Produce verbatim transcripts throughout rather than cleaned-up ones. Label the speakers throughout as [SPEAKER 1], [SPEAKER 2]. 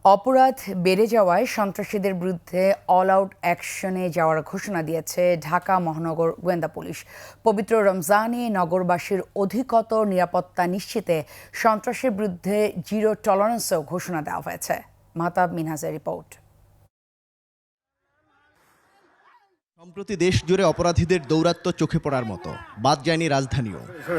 [SPEAKER 1] অপরাধ বেড়ে যাওয়ায় সন্ত্রাসীদের বিরুদ্ধে অল আউট অ্যাকশনে যাওয়ার ঘোষণা দিয়েছে ঢাকা মহানগর গোয়েন্দা পুলিশ। পবিত্র রমজানে নগরবাসীর অধিকতর নিরাপত্তা নিশ্চিতে সন্ত্রাসের বিরুদ্ধে জিরো টলারেন্সও ঘোষণা দেওয়া হয়েছে। মাহতাব মিনহাজের রিপোর্ট।
[SPEAKER 2] সম্প্রতি দেশ জুড়ে অপরাধীদের দৌরাত্ম্য চোখে পড়ার মতো, বাদ যায়নি রাজধানীও।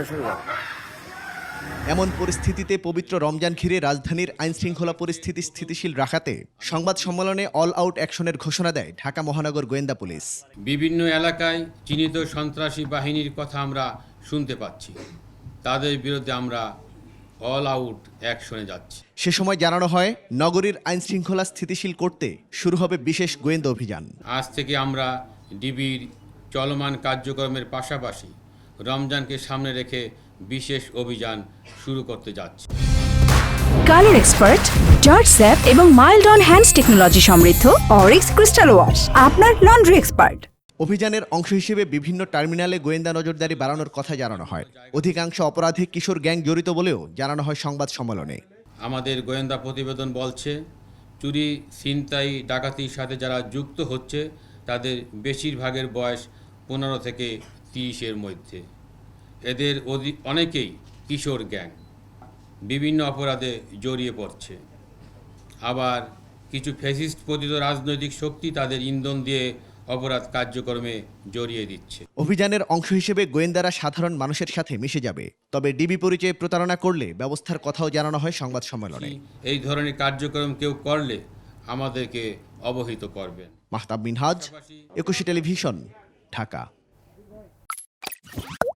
[SPEAKER 2] এমন পরিস্থিতিতে পবিত্র রমজান ঘিরে রাজধানীর আইনশৃঙ্খলা পরিস্থিতি স্থিতিশীল রাখাতে সংবাদ সম্মেলনে অল আউট অ্যাকশনের ঘোষণা দেয় ঢাকা মহানগর গোয়েন্দা পুলিশ।
[SPEAKER 3] বিভিন্ন এলাকায় চিহ্নিত সন্ত্রাসী বাহিনীর কথা আমরা শুনতে পাচ্ছি, তাদের বিরুদ্ধে আমরা অল আউট অ্যাকশনে যাচ্ছি।
[SPEAKER 2] সে সময় জানানো হয়, নগরীর আইনশৃঙ্খলা স্থিতিশীল করতে শুরু হবে বিশেষ গোয়েন্দা অভিযান।
[SPEAKER 3] আজ থেকে আমরা ডিবির চলমান কার্যক্রমের পাশাপাশি রমজানকে সামনে রেখে বিশেষ অভিযান শুরু করতে যাচ্ছি।
[SPEAKER 4] কালার এক্সপার্ট, জর্জ স্যাপ এবং মাইল্ড অন হ্যান্ডস টেকনোলজি সমৃদ্ধ অরিক্স ক্রিস্টাল ওয়াশ আপনার লন্ড্রি এক্সপার্ট।
[SPEAKER 2] অভিযানের অংশ হিসেবে বিভিন্ন টার্মিনালে গোয়েন্দা নজরদারি বাড়ানোর কথা জানানো হয়। অধিকাংশ অপরাধী কিশোর গ্যাং জড়িত বলেও জানানো হয় সংবাদ সম্মেলনে।
[SPEAKER 3] আমাদের গোয়েন্দা প্রতিবেদন বলছে, চুরি, ছিনতাই, ডাকাতির সাথে যারা যুক্ত হচ্ছে তাদের বেশিরভাগের বয়স পনেরো থেকে তিরিশের মধ্যে। এদের অনেকেই কিশোর গ্যাং, বিভিন্ন অপরাধে জড়িয়ে পড়ছে। আবার কিছু ফ্যাসিস্ট পতিত রাজনৈতিক শক্তি তাদের ইন্ধন দিয়ে অপরাধ কার্যক্রমে জড়িয়ে দিচ্ছে।
[SPEAKER 2] অভিযানের অংশ হিসেবে গোয়েন্দারা সাধারণ মানুষের সাথে মিশে যাবে, তবে ডিবি পরিচয়ে প্রতারণা করলে ব্যবস্থার কথাও জানানো হয় সংবাদ সম্মেলনে।
[SPEAKER 3] এই ধরনের কার্যক্রম কেউ করলে আমাদেরকে অবহিত করবেন।
[SPEAKER 2] মাহতাব মিনহাজ, একুশে টেলিভিশন, ঢাকা।